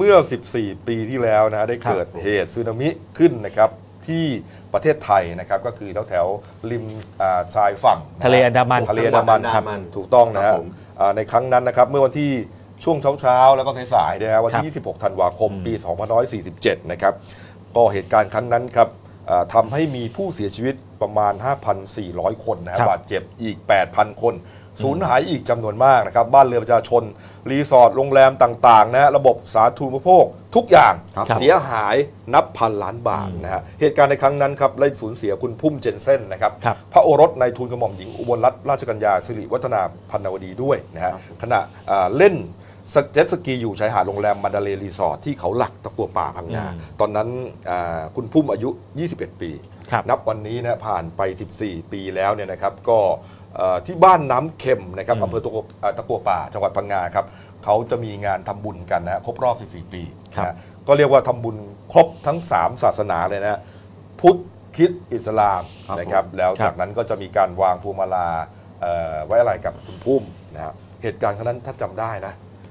มื่อ14 ปีที่แล้วนะได้เกิดเหตุสึนามิขึ้นนะครับที่ประเทศไทยนะครับก็คือแถวริมชายฝั่งทะเลอันดามันถูกต้องนะฮะในครั้งนั้นนะครับเมื่อวันที่ช่วงเช้าแล้วก็สายๆนะฮะวันที่26 ธันวาคมปี 2547นะครับก็เหตุการณ์ครั้งนั้นครับทำให้มีผู้เสียชีวิตประมาณ 5,400 คนนะบาดเจ็บอีก 8,000 คนสูญหายอีกจำนวนมากนะครับบ้านเรือนประชาชนรีสอร์ทโรงแรมต่างๆนะระบบสาธารณูปโภคทุกอย่างเสียหายนับพันล้านบาทนะฮะเหตุการณ์ในครั้งนั้นครับได้สูญเสียคุณพุ่มเจนเซ่นนะครับพระโอรสในทูลกระหม่อมหญิงอุบลรัตนราชกัญญาสิริวัฒนาพันวดีด้วยนะฮะขณะเล่นเจ็ตสกีอยู่ชายหาดโรงแรมมันดาเลย์รีสอร์ทที่เขาหลักตะกัวป่าพังงาตอนนั้นคุณพุ่มอายุ21 ปีนับวันนี้นะผ่านไป14 ปีแล้วเนี่ยนะครับก็ที่บ้านน้ำเค็มนะครับอำเภอตะกัวป่าจังหวัดพังงาครับเขาจะมีงานทำบุญกันนะครบรอบ14 ปีนะก็เรียกว่าทำบุญครบทั้ง3ศาสนาเลยนะพุทธคริสต์อิสลามนะครับแล้วจากนั้นก็จะมีการวางพวงมาลาไว้อะไรกับคุณพุ่มนะเหตุการณ์ครั้งนั้นถ้าจำได้นะ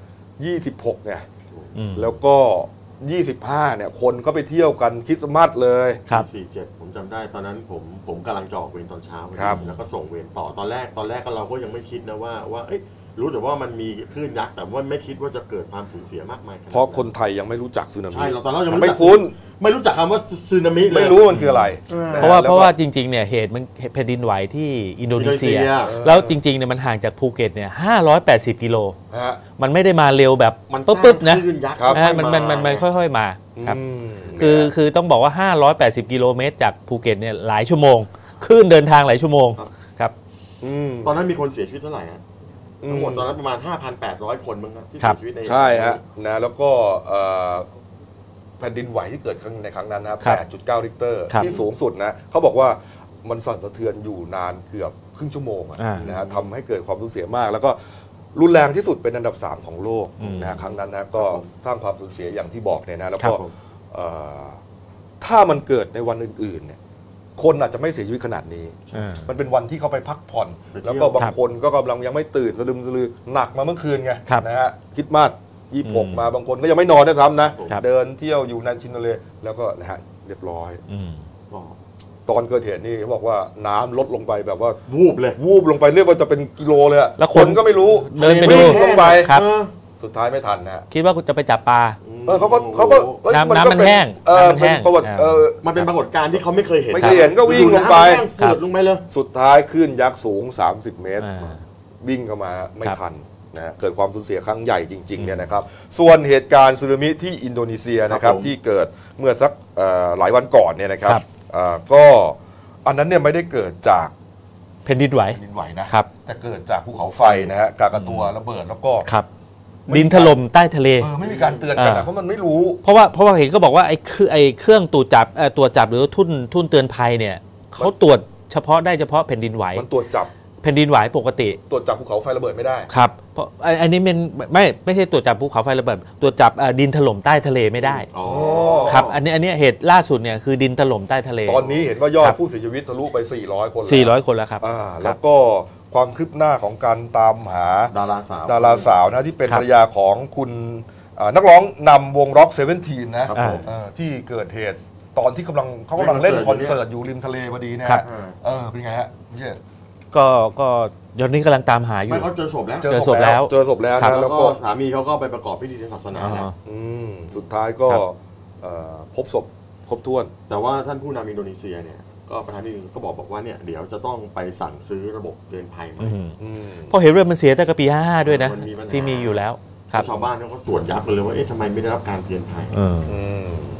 26เนี่ยแล้วก็25เนี่ยคนก็ไปเที่ยวกันคริสต์มาสเลย 47ผมจำได้ตอนนั้นผมกำลังจะออกเวรตอนเช้าแล้วก็ส่งเวรต่อตอนแรกเราก็ยังไม่คิดนะว่ารู้แต่ว่ามันมีคลื่นยักษ์แต่ว่าไม่คิดว่าจะเกิดความสูญเสียมากมายเพราะคนไทยยังไม่รู้จักสึนามิใช่เราตอนนั้นยังไม่คุ้นไม่รู้จักคำว่าสึนามิเลยไม่รู้มันคืออะไรเพราะว่าจริงๆเนี่ยเหตุมันแผ่นดินไหวที่อินโดนีเซียแล้วจริงๆเนี่ยมันห่างจากภูเก็ตเนี่ย580 กิโลมันไม่ได้มาเร็วแบบปึ๊บๆนะมันค่อยๆมาครับคือต้องบอกว่า580 กิโลเมตรจากภูเก็ตเนี่ยหลายชั่วโมงคลื่นเดินทางหลายชั่วโมงครับตอนนั้นมีคนเสียชีวิตเท่าไหร่ทั้งหมดตอนนั้นประมาณ 5,800 คนมั้งครับที่เสียชีวิตใช่ฮะนะแล้วก็แผ่นดินไหวที่เกิดขึ้นในครั้งนั้นนะ 8.9 ริกเตอร์ที่สูงสุดนะเขาบอกว่ามันสั่นสะเทือนอยู่นานเกือบครึ่งชั่วโมงนะฮะทำให้เกิดความสูญเสียมากแล้วก็รุนแรงที่สุดเป็นอันดับ3ของโลกนะฮะครั้งนั้นนะก็สร้างความสูญเสียอย่างที่บอกเนี่ยนะแล้วก็ถ้ามันเกิดในวันอื่นๆเนี่ยคนอาจจะไม่เสียชีวิตขนาดนี้มันเป็นวันที่เขาไปพักผ่อนแล้วก็บางคนก็กำลังยังไม่ตื่นสะดึมสะลือหนักมาเมื่อคืนไงนะฮะคิดมาก26มาบางคนก็ยังไม่นอนด้วยซ้ำนะเดินเที่ยวอยู่ในชินทะเลแล้วก็นะฮะเรียบร้อยตอนเกิดเหตุนี่เขาบอกว่าน้ำลดลงไปแบบว่าวูบลงไปเรียกว่าจะเป็นกิโลเลยแล้วคนก็ไม่รู้เดินไปดูลงไปสุดท้ายไม่ทันนะคิดว่าจะไปจับปลาเขาก็น้ำมันแห้งมันเป็นปรากฏการณ์ที่เขาไม่เคยเห็นก็วิ่งลงไปลงไปเลยสุดท้ายคลื่นยักษ์สูง30 เมตรวิ่งเข้ามาไม่ทันนะเกิดความสูญเสียครั้งใหญ่จริงๆเนี่ยนะครับส่วนเหตุการณ์สึนามิที่อินโดนีเซียนะครับที่เกิดเมื่อสักหลายวันก่อนเนี่ยนะครับก็อันนั้นเนี่ยไม่ได้เกิดจากแผ่นดินไหวนะครับแต่เกิดจากภูเขาไฟนะฮะกากาตัวระเบิดแล้วก็ดินถล่มใต้ทะเลไม่มีการเตือนกันนะเพราะมันไม่รู้เพราะว่าเห็นก็บอกว่าไอ้เครื่องตรวจจับหรือทุ่นเตือนภัยเนี่ยเขาตรวจเฉพาะแผ่นดินไหวมันตรวจจับแผ่นดินไหวปกติตรวจจับภูเขาไฟระเบิดไม่ได้ครับเพราะอันนี้มันไม่ใช่ตรวจจับภูเขาไฟระเบิดตรวจจับดินถล่มใต้ทะเลไม่ได้ครับอันนี้เหตุล่าสุดเนี่ยคือดินถล่มใต้ทะเลตอนนี้เห็นว่ายอดผู้เสียชีวิตทะลุไป400 คนแล้วครับแล้วก็ความคืบหน้าของการตามหาดาราสาวนะที่เป็นภรรยาของคุณนักร้องนำวงร็อก17นะที่เกิดเหตุตอนที่เขากำลังเล่นคอนเสิร์ตอยู่ริมทะเลพอดีนะเป็นไงฮะพี่เชษก็ยอนนี้กำลังตามหาอยู่เขาเจอศพแล้วนะแล้วก็สามีเขาก็ไปประกอบพิธีทางศาสนาแล้วสุดท้ายก็พบศพครบถ้วนแต่ว่าท่านผู้นำอินโดนีเซียเนี่ยก็ประธานาธิบดีก็บอกว่าเนี่ยเดี๋ยวจะต้องไปสั่งซื้อระบบเตือนภัยใหม่เพราะเห็นเรื่องมันเสียตั้งแต่ปี55ด้วยนะที่มีอยู่แล้วชาวบ้านเขาก็สวนยับเลยว่าทำไมไม่ได้รับการเตือนภัย